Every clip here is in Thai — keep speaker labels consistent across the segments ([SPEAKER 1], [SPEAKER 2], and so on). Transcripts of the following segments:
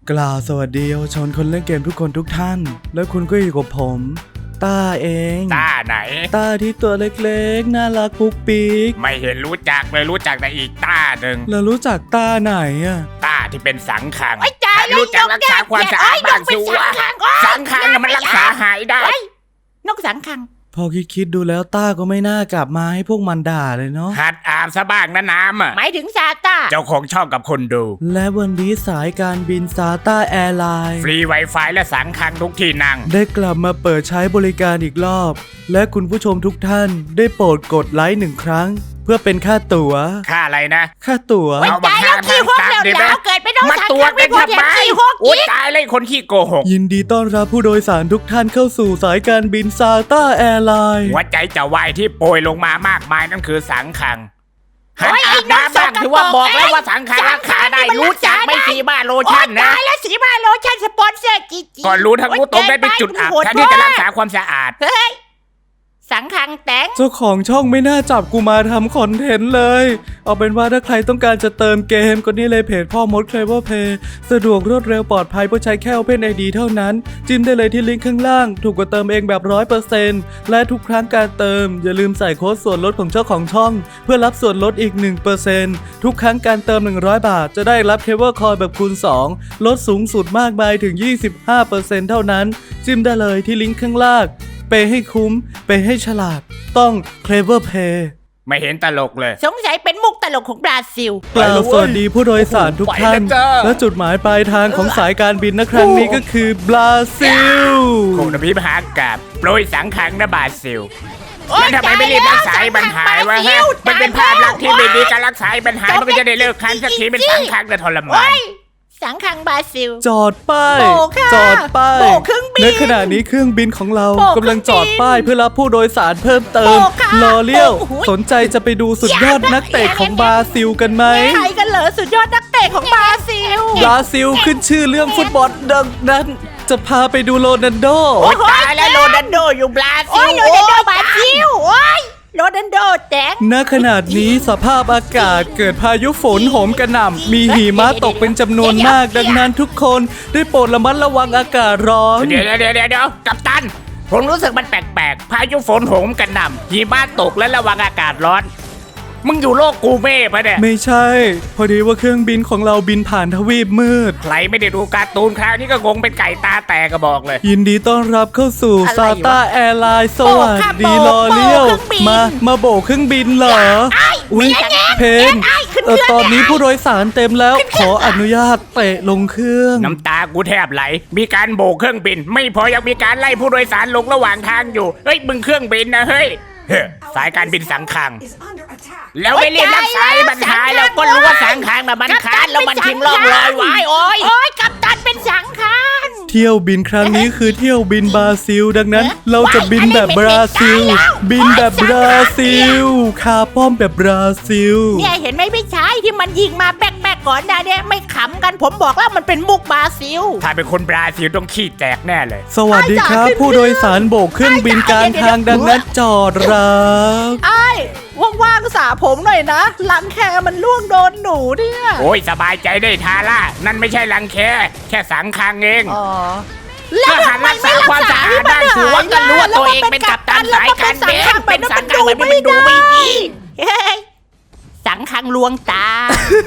[SPEAKER 1] กล่าวสวัสดีเยาวชนคนเล่นเกมทุกคนทุกท่านและคุณก็อยู่กับผมต้าเอง
[SPEAKER 2] ต้าไหน
[SPEAKER 1] ต้าที่ตัวเล็กๆน่ารักปุ๊กปิ๊ก
[SPEAKER 2] ไม่เห็นรู้จักเลยรู้จักแต่อีกต้าหนึ่ง
[SPEAKER 1] แล้วรู้จักต้าไหนอะ
[SPEAKER 2] ต้าที่เป็นสังขัง
[SPEAKER 3] รู้จักรักษาความสะอาดบ้างสิวะ
[SPEAKER 2] สังขังมันรักษาหายได้
[SPEAKER 3] นกสังขัง
[SPEAKER 1] พอคิดดูแล้วต้าก็ไม่น่ากลับมาให้พวกมันด่าเลยเนาะ
[SPEAKER 2] หัดอาบซะบ้างนะน้ำอ่ะ
[SPEAKER 3] หมายถึงซาต้า
[SPEAKER 2] เจ้าของช่องกับคนดู
[SPEAKER 1] และวันนี้สายการบินซาต้าแอร์ไลน์
[SPEAKER 2] ฟรี Wi-Fi และสังขังทุกที่นั่ง
[SPEAKER 1] ได้กลับมาเปิดใช้บริการอีกรอบและคุณผู้ชมทุกท่านได้โปรดกดไลค์1 ครั้งเพื่อเป็นค่าตั๋ว
[SPEAKER 2] ค่าอะไรนะ
[SPEAKER 1] ค่าตั๋ว
[SPEAKER 3] เอามาค่าขี้หกแล้วเกิดไปต้อง
[SPEAKER 2] มาตัวกันทำไมโอ๊ยตายเลยคนขี้โกหก
[SPEAKER 1] ยินดีต้อนรับผู้โดยสารทุกท่านเข้าสู่สายการบินซาต้าแอร์ไลน์
[SPEAKER 2] หัวใจจะวายที่โปรยลงมามากมายนั่นคือสังขังหันอาบน้ำบ้างถือว่าบอกแล้วว่าสังขังรักษาได้รู้จักไม่สีบ้าโลชั่นนะ
[SPEAKER 3] แล้วสีบ้าโลชั่นสปอนเซอร์จี
[SPEAKER 2] ก่อนรู้ทั้งรู้ตรงได้เป็นจุดอับแทนที่จะรักษาความสะอาด
[SPEAKER 3] เฮ้ยสังขังแตง
[SPEAKER 1] เจ้าของช่องไม่น่าจับกูมาทำคอนเทนต์เลยเอาเป็นว่าถ้าใครต้องการจะเติมเกมก็นี่เลยเพจพ่อมด Clever Play สะดวกรวดเร็วปลอดภัยเพราะใช้แค่ Open ID เท่านั้นจิ้มได้เลยที่ลิงก์ข้างล่างถูกกว่าเติมเองแบบ 100% และทุกครั้งการเติมอย่าลืมใส่โค้ดส่วนลดของเจ้าของช่องเพื่อรับส่วนลดอีก 1% ทุกครั้งการเติม100 บาทจะได้รับ Clever Coin แบบคูณ 2ลดสูงสุดมากมายถึง 25% เท่านั้นจิ้มได้เลยที่ลิงก์ข้างล่างเปย์ให้คุ้มเปย์ให้ฉลาดต้อง Clever Play
[SPEAKER 2] ไม่เห็นตลกเลย
[SPEAKER 3] สงสัยเป็นมุกตลกของบราซิล
[SPEAKER 1] กล่าวสวัสดีผู้โดยสารทุกท่านและจุดหมายปลายทางของสายการบินในครั้งนี้ก็คือบราซิล
[SPEAKER 2] คงจะพิมหากาบโปรยสังขังนะบราซิลแล้วทำไมไม่รีบรักษาปัญหาวะฮะมันเป็นภาพลักษณ์ที่ไม่ดีการรักษาปัญหามันก็จะได้เลิกคันสักทีเป็นสังขังแต่ทรมาน
[SPEAKER 3] สังขังบราซิล
[SPEAKER 1] จอดป้ายจอดป้ายในขณะนี้เครื่องบินของเรากำลังจอดป้ายเพื่อรับผู้โดยสารเพิ่มเติมรอเลี้ยวสนใจจะไปดูสุดยอดนักเตะของบราซิลกันไหม
[SPEAKER 3] ใครกันเหรอสุดยอดนักเตะของบราซิล
[SPEAKER 1] ขึ้นชื่อเรื่องฟุตบอลดังนั้นจะพาไปดูโรนัลโด
[SPEAKER 2] ตายแล้วโรนัลโดอยู่บราซิล
[SPEAKER 3] โรนัลโดบราซิลโรนัลโดแตง
[SPEAKER 1] ณขณะนี้สภาพอากาศเกิดพายุฝนโหมกระหน่ำมีหิมะตกเป็นจำนวนมากดังนั้นทุกคนได้โปรดระมัดระวังอากาศร้อน
[SPEAKER 2] เดี๋ยวกัปตันผมรู้สึกมันแปลกๆพายุฝนโหมกระหน่ำหิมะตกและระวังอากาศร้อนมึงอยู่โลกกูเม่ปะเนี่ย
[SPEAKER 1] ไม่ใช่พอดีว่าเครื่องบินของเราบินผ่านทวีปมืด
[SPEAKER 2] ใครไม่ได้ดูการ์ตูนคราวนี้ก็งงเป็นไก่ตาแตกก็บอกเลย
[SPEAKER 1] ยินดีต้อนรับเข้าสู่ซาต้าแอร์ไลน์สวัสดีรอเลี้ยวมาโบกเครื่องบินเหรออุ๊ยเพนตอนนี้ผู้โดยสารเต็มแล้วขออนุญาตเตะลงเครื่อง
[SPEAKER 2] น้ำตากูแทบไหลมีการโบกเครื่องบินไม่พอยังมีการไล่ผู้โดยสารลงระหว่างทางอยู่เฮ้ยมึงเครื่องบินนะเฮ้ยสายการบินสังขังแล้วไม่รีบรักษาปัญหาแล้วก็รู้ว่าสังขังน่ะมันค้านแล้วมันทิ้งร่องรอยไว้โอ้
[SPEAKER 3] ยกัปตันเป็นสังขัง
[SPEAKER 1] เที่ยวบินครั้งนี้คือเที่ยวบินบราซิลดังนั้นเราจะบินแบบบราซิลบินแบบบราซิลคาป้อมแบบบราซิล
[SPEAKER 3] เนี่ยเห็นไหมพี่ชายที่มันยิงมาแป๊กก่อนนะเนี่ยไม่ขำกันผมบอกแล้วมันเป็นมุกบราซิล
[SPEAKER 2] ถ้าเป็นคนบราซิลต้องขี้แตกแน่เลย
[SPEAKER 1] สวัสดีครับผู้โดยสารโบกเครื่องบินกลางทางดังนั้นจอดรับ
[SPEAKER 3] ว่างๆสาผมหน่อยนะรังแคมันล่วงโดนหนูเนี่ย
[SPEAKER 2] โอ้ยสบายใจได้ทาร่านั่นไม่ใช่รังแคแค่สังขังเองถ้าหันรักษาความสะอาดได้ถือว่าก็รู้ว่าตัวเองเป็นกัปตันสายการบินเป็นสังขังแบบนี้มันดูไม่ดี
[SPEAKER 3] สังขังลวงตา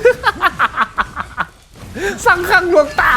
[SPEAKER 2] สังขังลวงตา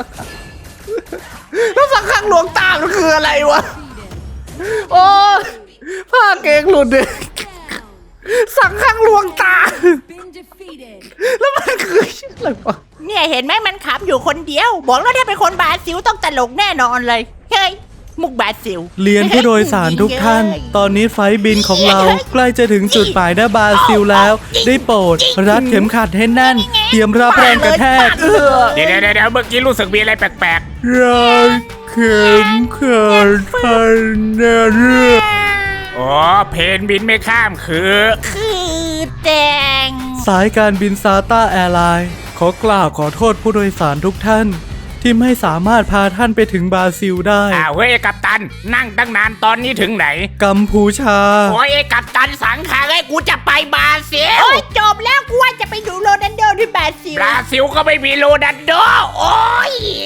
[SPEAKER 2] แล้วสังขังลวงตามันคืออะไรวะโอ้ผ้าเกงหลุดเลยสังขังลวงตาแล้วมันคืออะไรวะ
[SPEAKER 3] เนี่ยเห็นไหมมันขำอยู่คนเดียวบอกแล้วถ้าเป็นคนบราซิลต้องตลกแน่นอนเลยเฮ้ยมุกบราซิล
[SPEAKER 1] เรียนผู้โดยสารทุกท่านตอนนี้ไฟบินของเราใกล้จะถึงจุดหมายณบราซิลแล้วได้โปรดรัดเข็มขัดให้แน่นเตรียมรับแรงกระแทก
[SPEAKER 2] เดี๋ยวเมื่อกี้รู้สึกมีอะไรแปลก
[SPEAKER 1] ๆรัดเข็มขัดให้แน่น
[SPEAKER 2] อ๋อเพนบินไม่ข้ามคือ
[SPEAKER 3] แดง
[SPEAKER 1] สายการบินซาต้าแอร์ไลน์ขอโทษผู้โดยสารทุกท่านที่ไม่สามารถพาท่านไปถึงบราซิลได้
[SPEAKER 2] เฮ้ยกัปตันนั่งตั้งนานตอนนี้ถึงไหน
[SPEAKER 1] กัมพูชา
[SPEAKER 2] โอ้ยกัปตันสังขังไอ้กูจะไปบราซิล
[SPEAKER 3] จบแล้วกูว่าจะไปดูโรนัลโดที่บราซิล
[SPEAKER 2] ก็ไม่มีโรนัลโดโอ้ย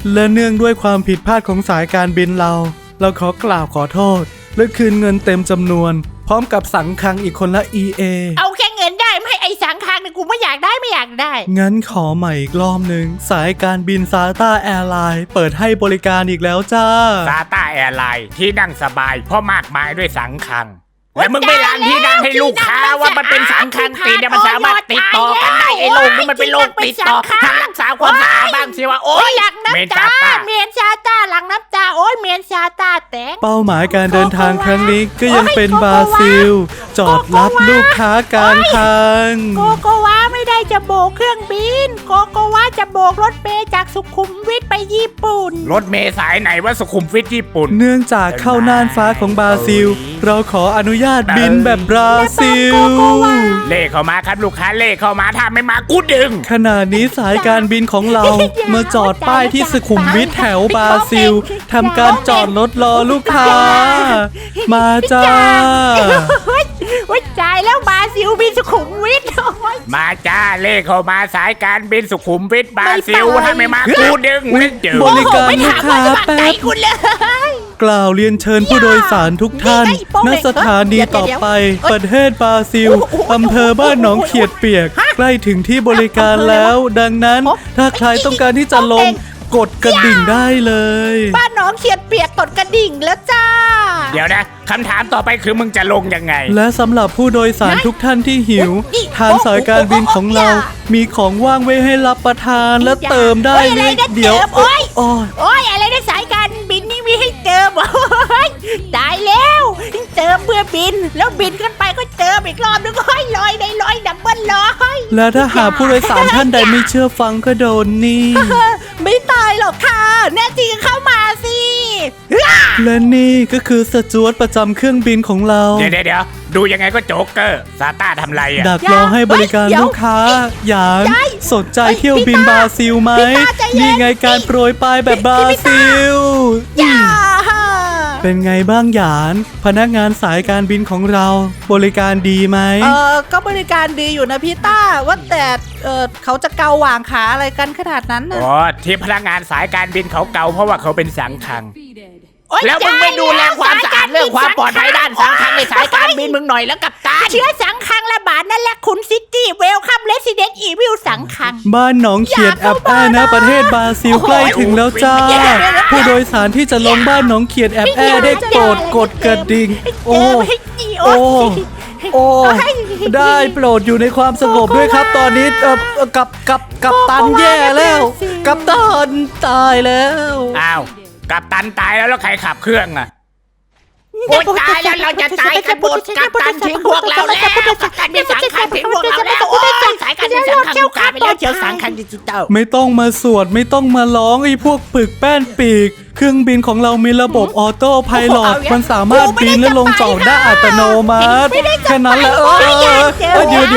[SPEAKER 1] และเนื่องด้วยความผิดพลาดของสายการบินเราขอกล่าวขอโทษ และคืนเงินเต็มจำนวน พร้อมกับสังคังอีกคนละ EA
[SPEAKER 3] เอาแค่เงินได้ไม่ไอ้สังคางเนี่ยกูไม่อยากได้ไม่อยากได้
[SPEAKER 1] งั้นขอใหม่อีกรอบหนึ่งสายการบินซาต้าแอร์ไลน์เปิดให้บริการอีกแล้วจ้า
[SPEAKER 2] ซาต้าแอร์ไลน์ที่นั่งสบายเพราะมากมายด้วยสังคังและมึงไม่ล้างที่นั่งให้ลูกค้าว่ามันเป็นสังคังติดเนี่ยมันสามารถติดต่อกันได้ไอ้โรคนี่มันเป็นโรคติดต่อทางรักษาความสะอาดบ้างสิว่าโอ๊ย
[SPEAKER 3] หลัง
[SPEAKER 2] เมน
[SPEAKER 3] น้ำ
[SPEAKER 2] ซา
[SPEAKER 3] ตา
[SPEAKER 2] ต้า
[SPEAKER 3] เมียนซาตาหลังน้ำตาโอ้ยเมียนซาตาแตง
[SPEAKER 1] เป้าหมายการเดินทางครั้งนี้ก็ยังเป็นบราซิล จอดรับลูกค้ากลางทาง
[SPEAKER 3] โกโกวาไม่ได้จะโบกเครื่องบินโกโกวาจะโบกรถเมล์จากสุขุมวิทไปญี่ปุ่น
[SPEAKER 2] รถเมล์สายไหนว่าสุขุมวิทญี่ปุ่น
[SPEAKER 1] เนื่องจากเข้าน่านฟ้าของบราซิล เราขออนุญาตบินแบบบราซิล
[SPEAKER 2] เลขเข้ามาครับลูกค้าเลขเข้ามาถ้าไม่มากูดึง
[SPEAKER 1] ขณะนี้สายการบินของเรามาจอดป้ายที่สุขุมวิทแถวบราซิลทำการจอดรถรอลูกค้า มาจ้า
[SPEAKER 3] ว่าจ่ายแล้วบราซิลบินสุขุมวิทโอ้ย
[SPEAKER 2] มาจ้าเลขเข้ามาสายการบินสุขุมวิทบราซิล
[SPEAKER 3] ไม่ไป
[SPEAKER 2] ถ้าไม่มากูดึงไม่เจอบ
[SPEAKER 1] ริการลูกค้าแป๊บ
[SPEAKER 3] คุณเลย
[SPEAKER 1] กล่าวเรียนเชิญผู้โดยสารทุกท่าน ณ สถานีต่อไป ประเทศบราซิล อำเภอบ้านหนองเขียดเปียก ใกล้ถึงที่บริการแล้ว ดังนั้น ถ้าใครต้องการที่จะลงกดกระดิ่งได้เลย
[SPEAKER 3] บ้านน้องเขียดเปียกกดกระดิ่งแล้วจ้า
[SPEAKER 2] เดี๋ยวนะคำถามต่อไปคือมึงจะลงยังไง
[SPEAKER 1] และสำหรับผู้โดยสารทุกท่านที่หิว ทางสายการบินของเรา มีของว่างไว้ให้รับประทานและเติมได้
[SPEAKER 3] โอ้ยอะไรนะ
[SPEAKER 1] เดี๋ยว
[SPEAKER 3] เติมโอ้ย
[SPEAKER 1] โอ้ย
[SPEAKER 3] โอ้ยอะไรนะสายการบินนี่มีให้เติมโอ้ยตายแล้วเติมเพื่อบิน แล้วบินขึ้นไปก็เติมอีกรอบนึงโอ้ยลอยในลอยดับเบิลลอย
[SPEAKER 1] และถ้าหากผู้โดยสารท่านใดไม่เชื่อฟังก็โดนนี่
[SPEAKER 3] ไม่ตายหรอกค่ะ แน่จริงเข้ามาสิ
[SPEAKER 1] และนี่ก็คือสจวตประจำเครื่องบินของเรา
[SPEAKER 2] เดี๋ยวดูยังไงก็โจ๊กเกอร์ซาต้าทำไรอ่ะ
[SPEAKER 1] ดักรอให้บริการลูกค้า อย่างสนใจเที่ยวบินบราซิลไหม นี่ไงการโปรยปลายแบบบราซิล
[SPEAKER 3] อย่า
[SPEAKER 1] เป็นไงบ้างหยาน พนักงานสายการบินของเรา บริการดีไหม
[SPEAKER 4] ก็บริการดีอยู่นะพี่ต้าว่าแต่เขาจะเกาหว่างขาอะไรกันขนาดนั้นน่ะ
[SPEAKER 2] อ๋อที่พนักงานสายการบินเขาเก่าเพราะว่าเขาเป็นสังคัง
[SPEAKER 3] โอ๊ย
[SPEAKER 2] แล้วมึงไม่ดูแลความสะอาดเรื่องความปลอดภัยด้านสังคังในสายการบินมึงหน่อยแล้วกับตา
[SPEAKER 3] เชื้อสังคังระบาดนั่นแหละคุณซิตี้เวลคัมเลสซิเดนต์อีวิลสังคัง
[SPEAKER 1] บ้านหนองเขียดแอปแอนะประเทศบราซิลใกล้ถึงแล้วจ้า ผู้โดยสารที่จะลงบ้านหนองเขียดแอปแอได้โปรดกดกระดิ่ง โอ้ โอ้ โอ้ ได้โปรดอยู่ในความสงบด้วยครับ ตอนนี้กับตันแย่แล้ว กับตันตายแล้ว
[SPEAKER 2] อ้าวกัปตันตายแล้วใครขับเครื่องอ่ะโอ๊ยตายแล้วเราจะตายกันหมดกัปตันทิ้งพวกเราแล้วสายการบินสังคังทิ้งพวกเราแล้วโอ๊ยสายการบินสังคังลูกค้าไปแล้วเจียวสังคังดิจิตอล
[SPEAKER 1] ไม่ต้องมาสวดไม่ต้องมาร้องไอ้พวกปึกแป้นปีก เครื่องบินของเรามีระบบออโต้ไพลอตมันสามารถบินและลงจอดได้อัตโนมัติแค่นั้นแหละเดี๋ยว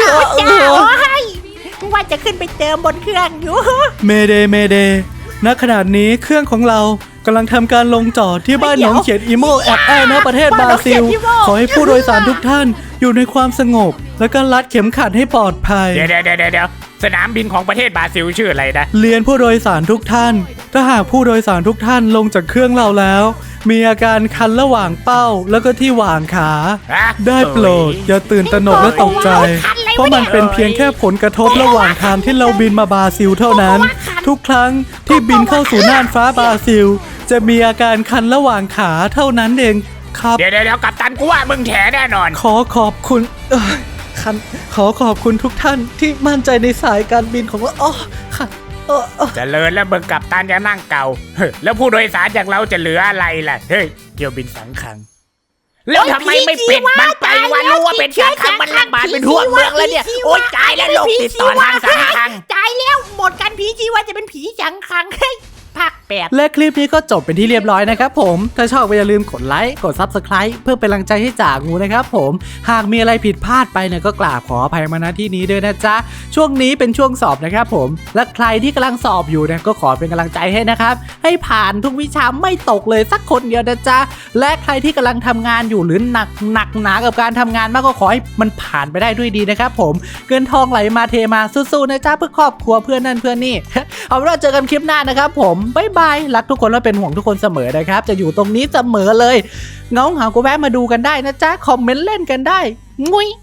[SPEAKER 3] ว่าจะขึ้นไปเติมบนเครื่องอยู่
[SPEAKER 1] เมเดณขณะนี้เครื่องของเรากำลังทำการลงจอดที่บ้านหนองเขียดอีโมแอบแอนะประเทศบราซิล ขอให้ผู้โดยสารทุกท่านอยู่ในความสงบ และก็รัดเข็มขัดให้ปลอดภัย
[SPEAKER 2] เดี๋ยวสนามบินของประเทศบราซิลชื่ออะไรนะ
[SPEAKER 1] เรียนผู้โดยสารทุกท่าน ถ้าหากผู้โดยสารทุกท่านลงจากเครื่องเราแล้ว มีอาการคันระหว่างเป้าแล้วก็ที่หว่างขา ได้โปรดอย่าตื่นตระหนกและตกใจ เพราะมันเป็นเพียงแค่ผลกระทบระหว่างทางที่เราบินมาบราซิลเท่านั้น ทุกครั้งที่บินเข้าสู่น่านฟ้าบราซิล จะมีอาการคันระหว่างขาเท่านั้นเองครับ
[SPEAKER 2] เดี๋ยวกัปตันกูว่ามึงแถแน่นอน
[SPEAKER 1] ขอขอบคุณขอขอบคุณทุกท่านที่มั่นใจในสายการบินของเราค่ะ
[SPEAKER 2] เจริญแล้วมึงกัปตันจะนั่งเก่าเฮ้ยแล้วผู้โดยสารอย่างเราจะเหลืออะไรล่ะเฮ้ยเที่ยวบินสังคังแล้วทำไมไม่ปิดมันไปว่ารู้ว่าเป็นสังคังมันระบาดเป็นทั่วเมืองแล้วเนี่ยโอ๊ยตายแล้วโรคติดต่อทางสังคัง
[SPEAKER 3] ตายแล้วหมดกันผีชีวะจะเป็นผีสังคังเฮ้ยผัก 8
[SPEAKER 4] และคลิปนี้ก็จบเป็นที่เรียบร้อยนะครับผมถ้าชอบก็อย่าลืมกดไลค์กด Subscribe เพื่อเป็นกำลังใจให้จ่างูนะครับผมหากมีอะไรผิดพลาดไปเนี่ยก็กราบขออภัยมาณที่นี้ด้วยนะจ๊ะช่วงนี้เป็นช่วงสอบนะครับผมและใครที่กำลังสอบอยู่เนี่ยก็ขอเป็นกำลังใจให้นะครับให้ผ่านทุกวิชาไม่ตกเลยสักคนเดียวนะจ๊ะและใครที่กำลังทำงานอยู่หรือหนักหนากับการทำงานมากก็ขอให้มันผ่านไปได้ด้วยดีนะครับผมเงินทองไหลมาเทมาสู้ๆนะจ๊ะเพื่อครอบครัวเพื่อนนั่นเพื่อนนี่ เอาเป็นว่าเจอกันคลิปหน้านะครับผมบ๊ายบายรักทุกคนและเป็นห่วงทุกคนเสมอนะครับจะอยู่ตรงนี้เสมอเลยเงาเหงาก็แวะมาดูกันได้นะจ๊ะคอมเมนต์เล่นกันได้งุ้ย